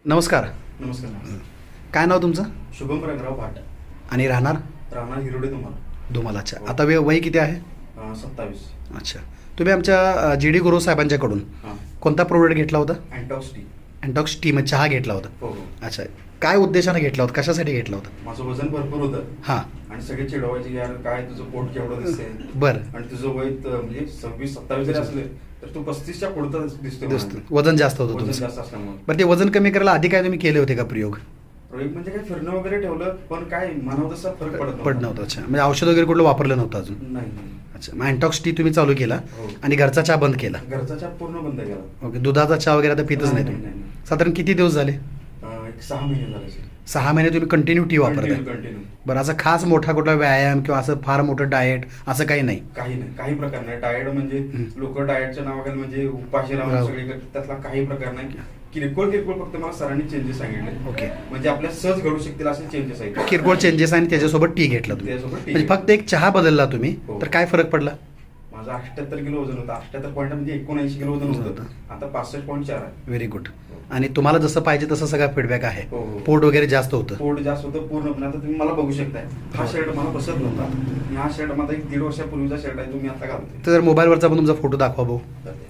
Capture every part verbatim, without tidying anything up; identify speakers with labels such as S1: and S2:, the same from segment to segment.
S1: नमस्कार.
S2: नमस्कार. नमस्कार.
S1: काय नाव तुमचं?
S2: शुभम रंगराव भाट.
S1: आणि राहणार
S2: राहणार हिरोडे तुम्हाला.
S1: धुमाल. अच्छा.
S2: हो.
S1: आता वे वय किती आहे?
S2: अं, सत्तावीस.
S1: अच्छा. तुम्ही आमच्या जी डी गुरु साहेबांच्याकडून
S2: हां.
S1: कोणता प्रोडक्ट घेतला होता?
S2: अँटॉक्स टी.
S1: अँटॉक्स टी म्हणजे चहा घेतला होता.
S2: हो हो.
S1: अच्छा. काय उद्देशाने घेतला होता, कशासाठी घेतला होता?
S2: माझं वजन भरपूर होतं
S1: हां.
S2: आणि सगळे चिडवायचे की यार काय तुझं पोट केवढं दिसतंय
S1: बरं.
S2: आणि तुझं वय त- म्हणजे सव्वीस सत्तावीस जरी असले तर तू पस्तीसच्या पुढचं दिसतोय
S1: दिसतं.
S2: म्हणाले.
S1: वजन जास्त होतं
S2: वजन
S1: तुमचं.
S2: जास्त असल्यामुळे.
S1: बरं, ते वजन कमी करायला आधी काय तुम्ही केले होते का प्रयोग?
S2: प्रयोग म्हणजे काय फिरणं वगैरे ठेवलं पण काय मनावर तसा फरक पडत
S1: पड नव्हतं. अच्छा. म्हणजे औषध वगैरे कुठलं वापरलं नव्हतं अजून?
S2: नाही नाही.
S1: अच्छा. मग अँटॉक्स टी तुम्ही चालू केला
S2: हो.
S1: आणि घरचा चहा बंद केला.
S2: घरचा चहा पूर्ण बंद केला.
S1: ओके. दुधाचा चहा वगैरे आता पितच
S2: नाही,
S1: नाही
S2: नाही,
S1: तुम्ही?
S2: नाही, नाही.
S1: साधारण किती दिवस झाले?
S2: अं, एक सहा महिने झाले असेल.
S1: सहा महिने तुम्ही कंटिन्यू टी वापरताय?
S2: Continue continue.
S1: बरं. असं खास मोठा कुठला व्यायाम किंवा असं फार मोठं डाएट असं काही नाही?
S2: काही नाही, काही प्रकार नाही. डाएट म्हणजे
S1: हं.
S2: लोक डाएटच्या नावाखाली म्हणजे उपाशी राहून
S1: राहू.
S2: सगळे करतात, त्यातला काही प्रकार नाही. किरकोळ किरकोळ फक्त मला सरांनी चेंजेस सांगितले.
S1: ओके.
S2: म्हणजे आपल्या सहज घडू शकतील असे चेंजेस आहेत.
S1: किरकोळ चेंजेस आणि त्याच्यासोबत टी घेतला तुम्ही?
S2: त्याच्यासोबत टी
S1: म्हणजे फक्त एक चहा बदलला तुम्ही,
S2: हो.
S1: तर काय फरक पडला?
S2: माझं अठ्याहत्तर किलो वजन होतं. अठ्याहत्तर पॉईंट म्हणजे एकोणऐंशी किलो वजन होतं. आता पासष्ट पॉईंट चार आहे.
S1: Very good. आणि तुम्हाला जसं पाहिजे तसं सगळा फीडबॅक आहे?
S2: हो, हो.
S1: पोट वगैरे जास्त होतं?
S2: पोट जास्त होतं पूर्णपणे. आता तुम्ही मला बघू शकताय, हा
S1: हो.
S2: शर्ट मला बसत नव्हता आणि हा शर्ट माझा एक दीड वर्षापूर्वीचा शर्ट आहे, तुम्ही आता घालतोय.
S1: तर मोबाईलवरचा पण तुमचा फोटो दाखवा भाऊ.
S2: तर ते.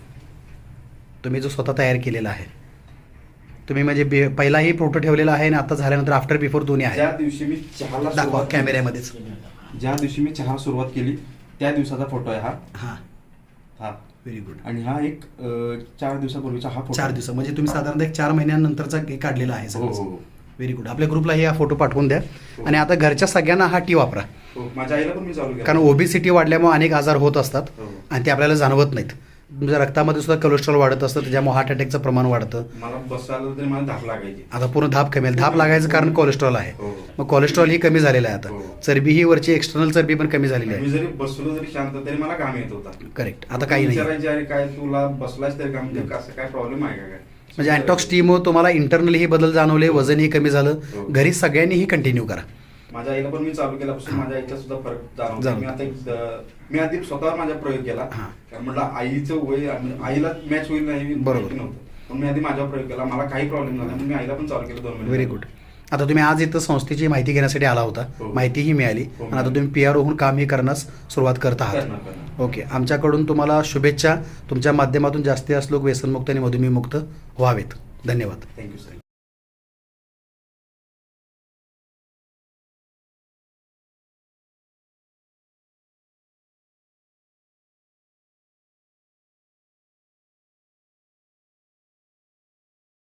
S1: तुम्ही जो स्वतः तयार केलेला आहे, तुम्ही म्हणजे बे- पहिलाही फोटो ठेवलेला आहे आणि आता झाल्यानंतर आफ्टर बिफोर दोन्ही आहे.
S2: ज्या दिवशी मी चहाला
S1: दाखवा
S2: सुरुवात केली-
S1: कॅमेऱ्यामध्येच.
S2: ज्या दिवशी मी चहा सुरुवात केली त्या दिवसाचा फोटो आहे हा.
S1: हां.
S2: हा.
S1: Very good.
S2: आणि हा एक अं, चार दिवसापूर्वीचा हा फोटो
S1: चार
S2: आहे.
S1: दिवस म्हणजे तुम्ही साधारणतः एक चार महिन्यानंतरचा हे काढलेला आहे
S2: हो हो
S1: सगळं.
S2: हो.
S1: Very good. आपल्या ग्रुपलाही हा फोटो पाठवून द्या.
S2: हो.
S1: आणि आता घरच्या सगळ्यांना हा टी वापरा,
S2: हो. माझ्या आईला पण मी चालू केलं.
S1: कारण ओबेसिटी वाढल्यामुळे अनेक आजार होत असतात
S2: हो.
S1: आणि ते आपल्याला जाणवत नाहीत. तुमच्या रक्तामध्ये सुद्धा कोलेस्ट्रॉल वाढत असतं, त्याच्यामुळे हार्ट अटॅकचं प्रमाण वाढतं.
S2: मला बसायला तरी मला धाप लागायची.
S1: आता पूर्ण धाप कमी आहे. धाप लागायचं कारण कोलेस्ट्रॉल आहे.
S2: हो.
S1: मग कोलेस्ट्रॉल ही कमी झालेलं आहे
S2: हो.
S1: आता. चरबी ही वरची एक्सटर्नल चरबी पण कमी झालेली
S2: मी
S1: आहे.
S2: जरी बसलो जरी शांत तरी मला घाम येत होता.
S1: करेक्ट. आता काही नाही.
S2: विचारायचे अरे काय तुला बसलायच तरी घाम येते, असं काय प्रॉब्लेम आहे का काय?
S1: म्हणजे अँटॉक्स टीमुळे तुम्हाला इंटरनली बदल जाणवले, वजनही कमी झालं.
S2: हो.
S1: घरी सगळ्यांनीही कंटिन्यू करा.
S2: माझ्या आईला पण मी चालू केल्यापासून माझ्या आईचा सुद्धा फरक जाणवतो.
S1: जाणवतो.
S2: मी आता एक, अं, मी आधी स्वतःवर माझा प्रयोग केला.
S1: हां.
S2: कारण म्हटलं आईचं वय आणि आईला मॅच होईल नाही
S1: बरोबर.
S2: माहिती नव्हतं. पण मी आधी माझ्यावर प्रयोग केला, मला काही प्रॉब्लेम झाला म्हणून मी आईला पण चालू केलं दोन महिने.
S1: Very good. आता तुम्ही आज इथं संस्थेची माहिती घेण्यासाठी आला होता,
S2: हो.
S1: माहितीही मिळाली
S2: हो.
S1: आणि आता तुम्ही पी आर होऊन कामही करण्यास सुरुवात करत आहात.
S2: करणार, करणार.
S1: ओके. आमच्याकडून तुम्हाला शुभेच्छा. तुमच्या माध्यमातून जास्तीत जास्त लोक व्यसनमुक्त आणि मधुमेहमुक्त व्हावेत. धन्यवाद.
S2: Thank you sir.